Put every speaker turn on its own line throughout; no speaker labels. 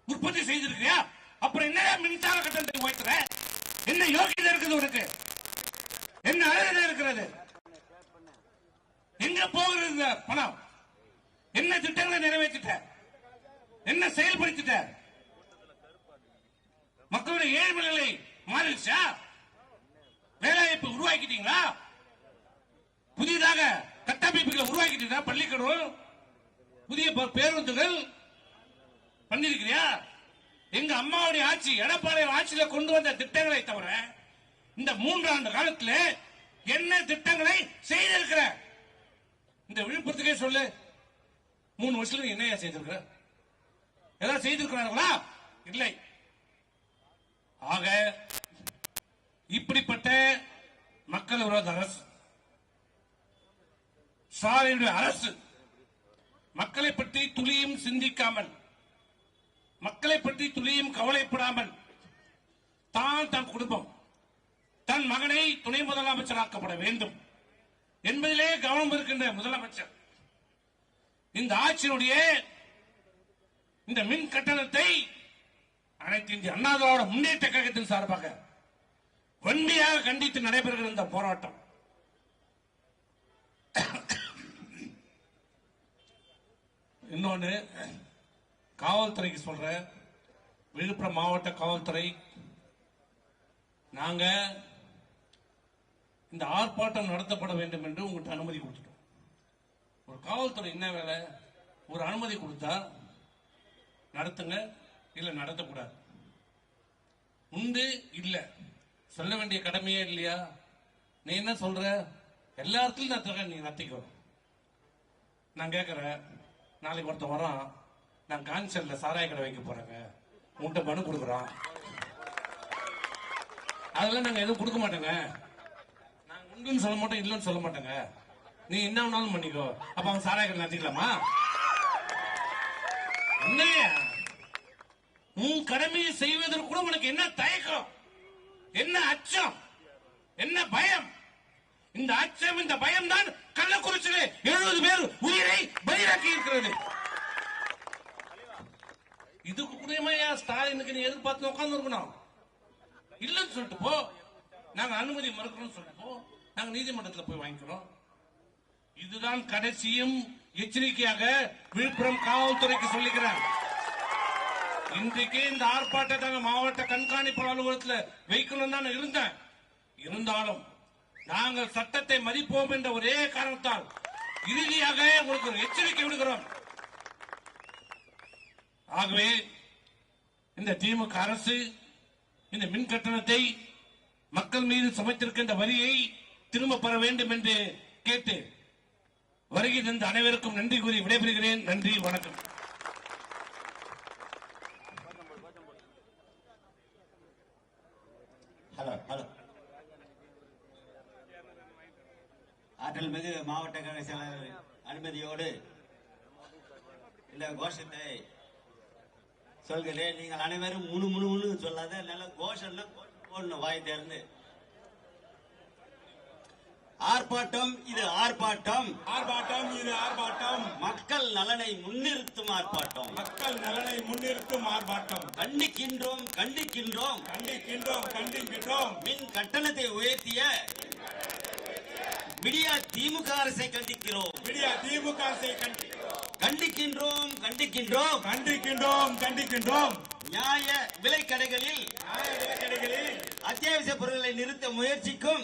உற்பத்தி செய்திருக்கியா? அப்புறம் என்ன மின்சார கட்டணத்தை உயர்த்துற? என்ன யோகியதை இருக்குது உனக்கு? என்ன அழகு இருக்கிறது? எங்க போகிறது இந்த பணம்? என்ன திட்டங்களை நிறைவேற்றிட்ட? என்ன செயல்படுத்திட்ட? மக்களுடைய ஏழ்மை நிலை மாறிடுச்சா? வேலைவாய்ப்பு உருவாக்கிட்டீங்களா? புதிதாக கட்டமைப்புகளை உருவாக்கிட்டீங்களா? பள்ளிக்கூடம், புதிய பேருந்துகள் பண்ணிருக்கிறியா? எங்க அம்மாவுடைய ஆட்சி, எடப்பாடி ஆட்சியில கொண்டு வந்த திட்டங்களை தவிர இந்த 3 ஆண்டு காலத்தில் என்ன திட்டங்களை செய்திருக்கிற? இந்த விழுப்புரத்துக்கே சொல்லு, 3 வருஷத்துல என்ன செய்திருக்கிற? ஏதாவது செய்திருக்கிறார்களா? இல்லை. ஆக இப்படிப்பட்ட மக்கள் விரோத அரசு, ஸ்டாலினுடைய அரசு மக்களை பற்றி துளியும் சிந்திக்காமல், மக்களை பற்றி துளியும் கவலைப்படாமல் தன் குடும்பம், தன் மகனை துணை முதலமைச்சராக்கப்பட வேண்டும் என்பதிலே கவனம் இருக்கின்ற முதலமைச்சர் இந்த ஆட்சியினுடைய இந்த மின் கட்டணத்தை அனைத்து இந்திய அண்ணா திராவிட முன்னேற்ற கழகத்தின் சார்பாக வன்மையாக கண்டித்து நடைபெறுகிற இந்த போராட்டம் இன்னொன்னு காவல்துறைக்கு சொல்ற, விழுப்புரம் மாவட்ட காவல்துறை, நாங்க இந்த ஆர்ப்பாட்டம் நடத்தப்பட வேண்டும் என்று உங்கள்கிட்ட அனுமதி கொடுத்துட்டோம். ஒரு காவல்துறை என்ன வேலை? ஒரு அனுமதி கொடுத்தா நடத்துங்க, இல்ல நடத்தக்கூடாது. உண்டு இல்ல சொல்ல வேண்டிய கடமையே இல்லையா? நீ என்ன சொல்ற? எல்லா இடத்துலயும் நீ நடத்திக்கோ. நான் கேட்கிறேன், நாளைக்கு ஒருத்தன் வரான், நான் கான்சர்ல சாராய கடை வைக்க போறேங்க, உன்கிட்ட மனு கொடுக்குறான், அதெல்லாம் நாங்க எதுவும் கொடுக்க மாட்டோங்க. நாங்க உண்டுன்னு சொல்ல மாட்டோம், இல்லைன்னு சொல்ல மாட்டோங்க. நீ என்ன வேணாலும் பண்ணிக்கோ. அப்ப அவன் சாராய கடை நடத்திக்கலாமா? என்னையா உன் கடமையை செய்வதற்கு கூட உனக்கு என்ன தயக்கம், என்ன அச்சம், என்ன பயம்? இந்த அச்சம், இந்த பயம் தான் கள்ளக்குறிச்சியிலே 70 பேர் உயிரை பலியாக்கி இருக்கிறது. இதுக்கு கூடமையா ஸ்டாலினுக்கு நீ எதிர்பார்த்து உட்கார்ந்து இருக்கணும்? இல்லன்னு சொல்லிட்டு போ. நாங்க அனுமதி மறுக்கிறோம் சொல்லிட்டு போ. நாங்க நீதிமன்றத்தில் போய் வாங்கிக்கிறோம். இதுதான் கடைசியும் எச்சரிக்கையாக விழுப்புரம் காவல்துறைக்கு சொல்லுகிறேன். இன்றைக்கு இந்த ஆர்ப்பாட்டத்தை மாவட்ட கண்காணிப்பு அலுவலகத்தில் வைக்கணும் தான் இருந்தேன். இருந்தாலும் நாங்கள் சட்டத்தை மதிப்போம் என்ற ஒரே காரணத்தால் இறுதியாக உங்களுக்கு ஒரு எச்சரிக்கை விடுகிறோம். ஆகவே இந்த திமுக அரசு இந்த மின் கட்டணத்தை மக்கள் மீது சுமத்திருக்கின்ற வரியை திரும்ப பெற வேண்டும் என்று கேட்டு வருகை தந்த அனைவருக்கும் நன்றி கூறி விடைபெறுகிறேன். நன்றி, வணக்கம்.
ஆற்றல் மிகு மாவட்ட கழக செயலாளர் அனுமதியோடு இந்த கோஷத்தை சொல்கிறேன். நீங்கள் அனைவரும் முழு முழு சொல்லாத நல்ல கோஷம்னா போடணும், வாய் தேர்ந்து. ஆர்ப்பாட்டம் இது ஆர்ப்பாட்டம்,
ஆர்ப்பாட்டம் இது ஆர்ப்பாட்டம்,
மக்கள் நலனை முன்னிறுத்தும் ஆர்ப்பாட்டம்,
மக்கள் நலனை முன்னிறுத்தும் ஆர்ப்பாட்டம்.
கண்டிக்கின்றோம் கண்டிக்கின்றோம்
கண்டிக்கின்றோம் கண்டிக்கின்றோம்.
மின் கட்டணத்தை உயர்த்திய விடியா திமுக அரசை கண்டிக்கிறோம்,
விடியா திமுக அரசை
கண்டிக்கின்றோம் கண்டிக்கின்றோம்
கண்டிக்கின்றோம் கண்டிக்கின்றோம்.
நியாய விலை கடைகளில் அத்தியாவசிய பொருட்களை நிறுத்த முயற்சிக்கும்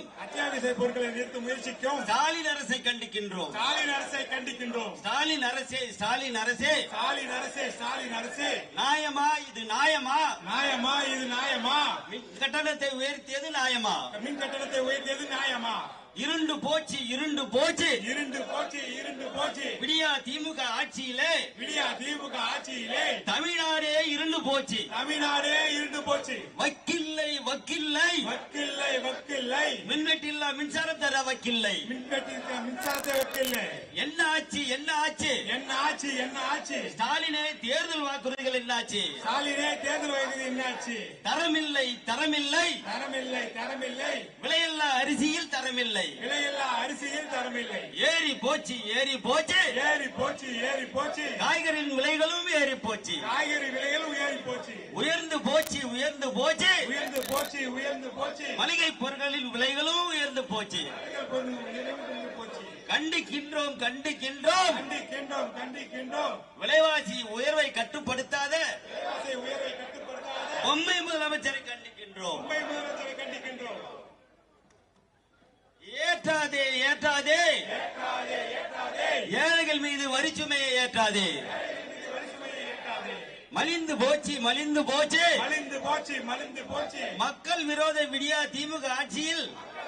ஸ்டாலின் அரசை கண்டிக்கின்றோம்,
ஸ்டாலின் அரசை கண்டிக்கின்றோம்.
ஸ்டாலின் அரசே ஸ்டாலின் அரசே
ஸ்டாலின் அரசே ஸ்டாலின் அரசே,
நியாயமா இது நியாயமா?
நியாயமா இது நியாயமா?
மின் கட்டணத்தை உயர்த்தியது நியாயமா?
மின் கட்டணத்தை உயர்த்தியது நியாயமா?
இருண்டு போச்சு இருண்டு போச்சு
இருண்டு போச்சு இருண்டு போச்சு.
விடியா திமுக ஆட்சியிலே,
விடியா திமுக ஆட்சியிலே
தமிழ்நாடே இருண்டு போச்சு,
தமிழ்நாடே இருண்டு போச்சு.
வக்கில்லை வக்கில்லை
வக்கில்லை வக்கில்லை,
மின்வெட்டில்லா மின்சாரம் தர வக்கில்லை,
மின்வெட்டிற்கு மின்சாரத்தை வக்கில்லை.
என்ன ஆச்சு என்ன ஆச்சு
என்ன ஆச்சு என்ன ஆச்சு?
ஸ்டாலினே தேர்தல் வாக்குறுதிகள் என்னாச்சு?
ஸ்டாலினே தேர்தல் வாக்குறுதி என்னாச்சு?
தரமில்லை தரமில்லை
தரமில்லை தரமில்லை,
விலையில்லா அரிசியில் தரமில்லை,
விலையில்லா அரிசியில் தரமில்லை.
ஏறி போச்சு ஏறி போச்சு
ஏறி போச்சு ஏறி போச்சு.
காய்கறியின் விலைகளும் ஏறி போச்சு,
காய்கறி விலைகளும் ஏறி போச்சு.
உயர்ந்து போச்சு உயர்ந்து போச்சு
உயர்ந்து போச்சு உயர்ந்து போச்சு
மளிகை பொருட்களின் விலைகளும் உயர்ந்து போச்சு.
போச்சு.
கண்டிக்கின்றோம் கண்டிக்கின்றோம்
கண்டிக்கின்றோம் கண்டிக்கின்றோம்
விலைவாசி உயர்வை கட்டுப்படுத்தாத
விலைவாசி உயர்வை கட்டுப்படுத்தாத
பொம்மை முதலமைச்சரை கண்டிக்கின்றோம்.
மும்பை முதலமைச்சரை கண்டிக்கின்றோம்.
ஏற்றாதே ஏற்றாதே
ஏற்றாதே ஏற்றாதே
ஏழைகள் மீது வரிச்சுமையை ஏற்றாதே.
வரிசுமையை ஏற்றாதே.
மலிந்து போச்சு மலிந்து போச்சு
மலிந்து போச்சு மலிந்து போச்சு
மக்கள் விரோத விடியா திமுக ஆட்சியில்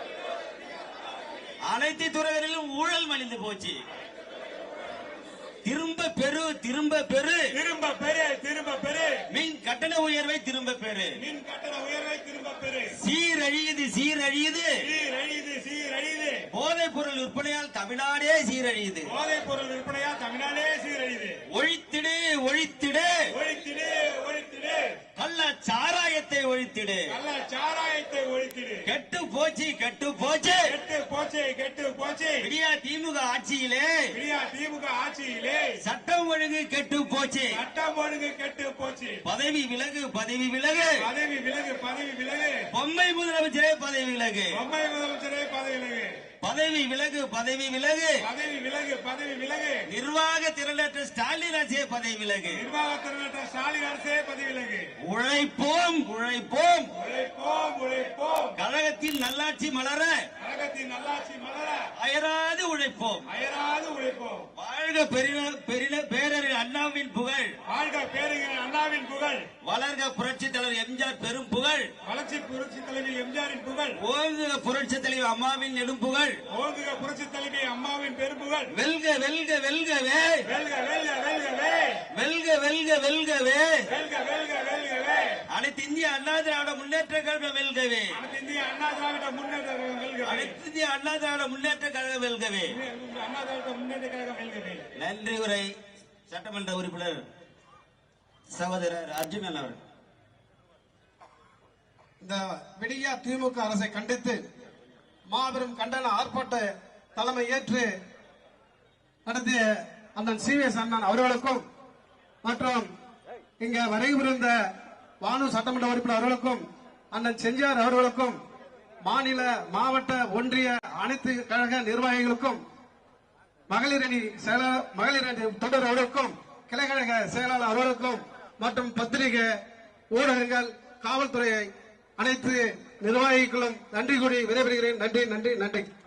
அனைத்து துறைகளிலும் ஊழல் மலிந்து போச்சு. திரும்ப பெரு திரும்ப பெரு
திரும்ப பெரு திரும்ப பெரு
மின் கட்டண உயர்வை திரும்ப பெரு.
மின் கட்டண உயர்வை திரும்ப பெரு
சீரழியுது சீரழியுது
சீரழியுது சீரழியுது
போதைப் பொருள் விற்பனையால் தமிழ்நாடே சீரழியுது.
போதைப் பொருள் விற்பனையா தமிழ்நாடே சீரழியுது.
ஒழித்திடு ஒழித்திடு
ஒழித்திடு ஒழித்திடு
கள்ள சாராயத்தை ஒழித்திடு.
நல்ல சாராயத்தை ஒழித்திடு.
கெட்டு போச்சு கெட்டு போச்சு
கெட்டு போச்சு கெட்டு போச்சு
விடியா திமுக ஆட்சியிலே
விடியா திமுக ஆட்சியிலே
சட்டம் ஒழுங்கு கெட்டு போச்சு.
சட்டம் ஒழுங்கு கெட்டு போச்சு.
பதவி விலகு பதவி விலகு
பதவி விலகு பதவி விலகு
பொம்மை முதலமைச்சரே பதவி விலகு.
பொம்மை முதலமைச்சரே பதவி விலகு
பதவி விலகு பதவி விலகு
பதவி விலகு பதவி விலகு
நிர்வாக திரளற்ற ஸ்டாலின் அரசே பதவி விலகு.
நிர்வாகத்தினற்ற ஸ்டாலின் அரசே பதவி விலகு.
உழைப்போம் உழைப்போம்
உழைப்போம் உழைப்போம்
கழகத்தில் நல்லாட்சி மலர
கழகத்தின் நல்லாட்சி மலர
அயராது உழைப்போம்.
அயராது உழைப்போம்.
வாழ்க பேரறிஞர் அண்ணாவின் புகழ்.
வாழ்க பேரறிஞர் அண்ணாவின் புகழ்.
வளர்க புரட்சி தலைவர் எம்ஜிஆர் பெரும் புகழ்.
வளர்ச்சி புரட்சி தலைவி எம்ஜிஆரின் புகழ்.
ஓங்குக புரட்சி தலைவர் அம்மாவின் நெடும் புகழ்.
ஓங்குக புரட்சி தலைவி அம்மாவின் பெரும்புகழ்.
வெல்க வெல்க வெல்கவே
வெல்க வெல்க வெல்கவே
வெல்க வெல்க வெல்கவே
வெல்க வெல்க வெல்கவே
அனைத்து இந்திய அண்ணா திராவிட முன்னேற்ற கழகம் வெல்கவே.
அனைத்து இந்திய அண்ணா திராவிட முன்னேற்ற கழகம் வெல்கவே.
அனைத்து இந்திய அண்ணா திராவிட முன்னேற்ற கழகம் வெல்கவே.
அண்ணா திராவிட முன்னேற்ற கழகம் வெல்கவே.
நன்றி உரை சட்டமன்ற உறுப்பினர் சகோதரர் அர்ஜுனன் அவர்கள்.
இந்த விடியா திமுக அரசை கண்டித்து மாபெரும் கண்டன ஆர்ப்பாட்ட தலைமை ஏற்று நடத்திய அண்ணன் சி.எஸ். அண்ணன் அவர்களுக்கும் மற்றும் இங்க வருகின்ற வானு சட்டமன்ற உறுப்பினர் அவர்களுக்கும் அண்ணன் செஞ்சார் அவர்களுக்கும் மாநில மாவட்ட ஒன்றிய அனைத்து கழக நிர்வாகிகளுக்கும் மகளிர் அணி தொண்டர் அவர்களுக்கும் கிளைக்கழக செயலாளர் அவர்களுக்கும் மற்றும் பத்திரிகை ஊடகங்கள் காவல்துறை அனைத்து நிர்வாகிகளும் நன்றி கூறி விடைபெறுகிறேன். நன்றி நன்றி நன்றி.